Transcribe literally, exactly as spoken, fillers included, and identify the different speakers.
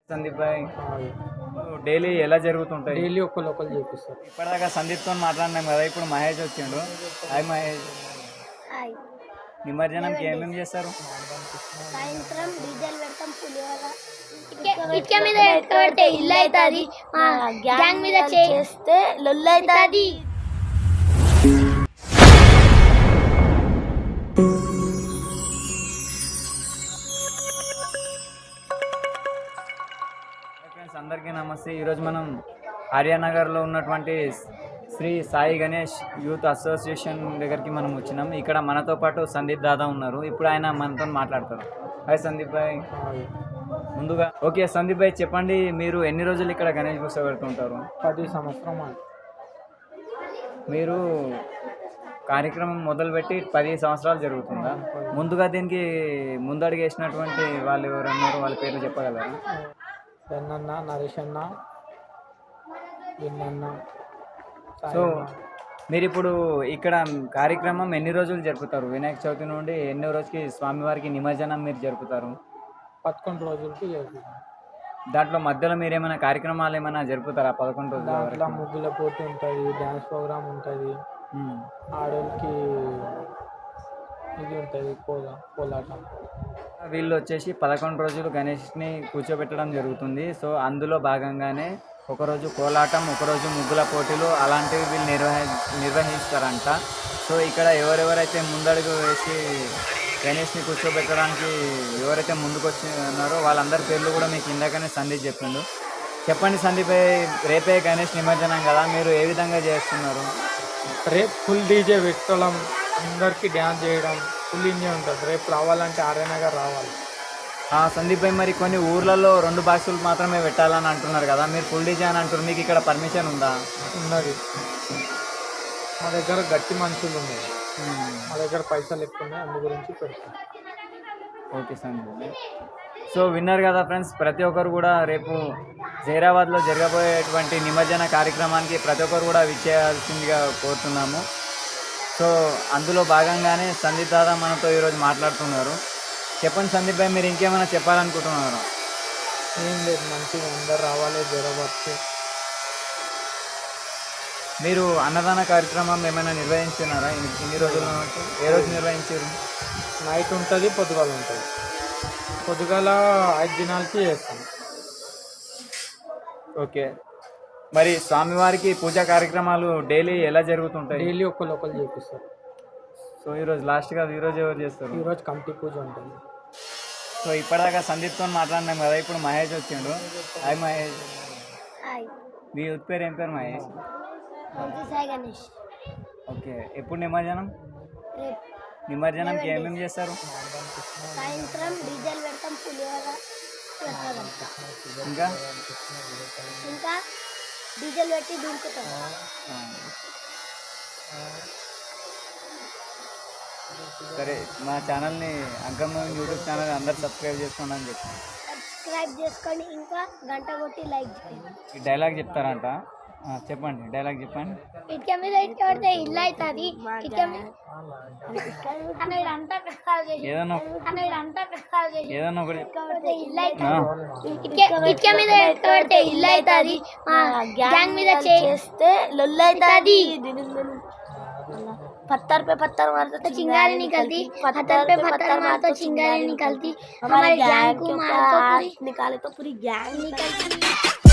Speaker 1: సందీప్ భాయ్ daily ఎలా జరుగుతుంటాయి?
Speaker 2: Daily ఒక్కళ్ళు ఒకళ్ళు చేపిస్తారు.
Speaker 1: ఇప్పటిదాకా సందీప్తో మాట్లాడినాం కదా, ఇప్పుడు మహేష్ వచ్చిండు. హాయ్ మహేష్.
Speaker 3: హాయ్.
Speaker 1: నిమజ్జనంకి ఏమేమి చేస్తారు?
Speaker 3: సాయంత్రం డీజేలు పెడతాం, పులిహోర ఇటుక మీద పెడితే ఇల్లు అవుతుంది, గ్యాంగ్ మీద చేస్తే లొల్లు అవుతుంది.
Speaker 1: ఫ్రెండ్స్ అందరికీ నమస్తే. ఈరోజు మనం ఆర్యానగర్లో ఉన్నటువంటి శ్రీ సాయి గణేష్ యూత్ అసోసియేషన్ దగ్గరికి మనం వచ్చినాం. ఇక్కడ మనతో పాటు సందీప్ దాదా ఉన్నారు. ఇప్పుడు ఆయన మనతో మాట్లాడతారు. హాయ్ సందీప్ భాయ్. ముందుగా ఓకే సందీప్ భాయ్, చెప్పండి, మీరు ఎన్ని రోజులు ఇక్కడ గణేష్ కూర్చోబెడుతుంటారు?
Speaker 2: పది సంవత్సరం అని.
Speaker 1: మీరు కార్యక్రమం మొదలుపెట్టి పది సంవత్సరాలు జరుగుతుందా? ముందుగా దీనికి ముందడుగు వేసినటువంటి వాళ్ళు ఎవరన్నారు, వాళ్ళ పేర్లు చెప్పగలరా?
Speaker 2: వెన్నన్న, నరేష్ అన్న, విన్నన్న.
Speaker 1: సో మీరు ఇప్పుడు ఇక్కడ కార్యక్రమం ఎన్ని రోజులు జరుపుతారు? వినాయక చవితి నుండి ఎన్నో రోజుకి స్వామివారికి నిమజ్జనం మీరు జరుపుతారు?
Speaker 2: పదకొండు రోజులకి జరుగుతుంది.
Speaker 1: దాంట్లో మధ్యలో మీరు ఏమైనా కార్యక్రమాలు ఏమైనా జరుపుతారా పదకొండు రోజుల
Speaker 2: దాంట్లో
Speaker 1: వరకు?
Speaker 2: ముగ్గుల పోటీ ఉంటుంది, డ్యాన్స్ ప్రోగ్రామ్ ఉంటుంది,
Speaker 1: మ్మ్.
Speaker 2: ఆడోళ్ళకి ఇది ఉంటుంది, కోలా కోలాటం.
Speaker 1: వీళ్ళు వచ్చేసి పదకొండు రోజులు గణేష్ని కూర్చోబెట్టడం జరుగుతుంది. సో అందులో భాగంగానే ఒకరోజు కోలాటం, ఒకరోజు ముగ్గుల పోటీలు అలాంటివి వీళ్ళు నిర్వహి నిర్వహిస్తారంట. సో ఇక్కడ ఎవరెవరైతే ముందడుగు వేసి గణేష్ని కూర్చోబెట్టడానికి ఎవరైతే ముందుకు వచ్చి ఉన్నారో వాళ్ళందరి పేర్లు కూడా మీకు ఇందాకనే సందీప్ చెప్పిండు. చెప్పండి సందీప్, రేపే గణేష్ నిమజ్జనం కదా, మీరు ఏ విధంగా చేస్తున్నారు?
Speaker 2: రేపు ఫుల్ డీజే పెట్టడం, అందరికీ డ్యాన్స్ చేయడం, ఫుల్ ఎంజాయ్ ఉంటుంది. రేపు రావాలంటే ఆర్యనగర్ రావాలి.
Speaker 1: సందీప్ భాయ్, మరి కొన్ని ఊర్లలో రెండు బాక్సులు మాత్రమే పెట్టాలని అంటున్నారు కదా, మీరు ఫుల్ డీజే అని అంటున్నారు, మీకు ఇక్కడ పర్మిషన్ ఉందా?
Speaker 2: ఉన్నది. మా దగ్గర గట్టి మనుషులు ఉన్నాయి, మా దగ్గర పైసలు ఎక్కువ ఉన్నాయి, అందు గురించి పెడతాం.
Speaker 1: ఓకే సందీప్ భాయ్. సో విన్నారు కదా ఫ్రెండ్స్, ప్రతి ఒక్కరు కూడా రేపు జైరాబాద్లో జరగబోయేటువంటి నిమజ్జన కార్యక్రమానికి ప్రతి ఒక్కరు కూడా విచ్చేయాల్సిందిగా కోరుతున్నాము. సో అందులో భాగంగానే సందీప్ దాదా మనతో ఈరోజు మాట్లాడుతున్నారు. చెప్పండి సందీప్ భాయ్, మీరు ఇంకేమైనా చెప్పాలనుకుంటున్నారు?
Speaker 2: ఏం లేదు, మంచిగా అందరు రావాలి జైరాబాద్కి.
Speaker 1: మీరు అన్నదాన కార్యక్రమం ఏమైనా నిర్వహించినారా ఇన్ని ఇన్ని రోజుల నుంచి? ఏ రోజు నిర్వహించారు?
Speaker 2: నైట్ ఉంటుంది, పొద్దుగాల ఉంటుంది. పొద్దుగాల ఐదు దినాలకి చేస్తాం.
Speaker 1: ఓకే, మరి స్వామివారికి పూజా కార్యక్రమాలు డైలీ ఎలా జరుగుతుంటాయి?
Speaker 2: డైలీ ఒక్కళ్ళు ఒకళ్ళు చేపిస్తారు.
Speaker 1: సో ఈరోజు లాస్ట్గా ఈరోజు ఎవరు చేస్తారు?
Speaker 2: ఈరోజు కమిటీ పూజ ఉంటుంది.
Speaker 1: సో ఇప్పటిదాకా సందీప్తో మాట్లాడినాం కదా, ఇప్పుడు మహేష్ వచ్చిండు. హాయ్ మహేష్.
Speaker 3: హాయ్.
Speaker 1: మీ యూత్ పేరు ఏం పేరు మహేష్?
Speaker 3: మంచి సాయి గణేష్.
Speaker 1: ఓకే, ఎప్పుడు నిమజ్జనం?
Speaker 3: రేపు
Speaker 1: నిమజ్జనంకి ఏమేమి చేస్తారు?
Speaker 3: సాయంత్రం డీజేలు పెడతాం, పులిహోర పెడతాం,
Speaker 1: ఇంకా
Speaker 3: ఇంకా డీజేలు పెట్టి దుంకుతాం.
Speaker 1: సరే, మా ఛానల్ని అంకమ్మ యూట్యూబ్ ఛానల్ అందరు సబ్స్క్రైబ్ చేసుకోండి అని చెప్పి
Speaker 3: సబ్స్క్రైబ్ చేసుకొని ఇంకా గంట కొట్టి లైక్ చేయండి.
Speaker 1: ఈ డైలాగ్ చెప్తారంట, ఆ, చెప్పండి డైలాగ్ చెప్పండి.
Speaker 3: ఇటుక మీద ఇటుక పడితే ఇల్లు అవుతుంది, ఇటుక మీద అనేది అంతా ప్రసాద్ చేసి
Speaker 1: ఏదన్నా
Speaker 3: అనేది అంతా ప్రసాద్ చేసి
Speaker 1: ఏదన్నా ఒకటి
Speaker 3: పడితే ఇల్లు
Speaker 1: ఆ,
Speaker 3: అవుతుంది, ఇటుక ఇటుక మీద ఇటుక పడితే ఇల్లు అవుతుంది, గ్యాంగ్ మీద చేస్తే లొల్లు అవుతుంది. पत्थर पे पत्थर मारते तो चिंगारी निकलती, पत्थर पे पत्थर मारते तो चिंगारी निकलती, हमारे गैंग को मार तो निकाले तो पूरी गैंग निकलती।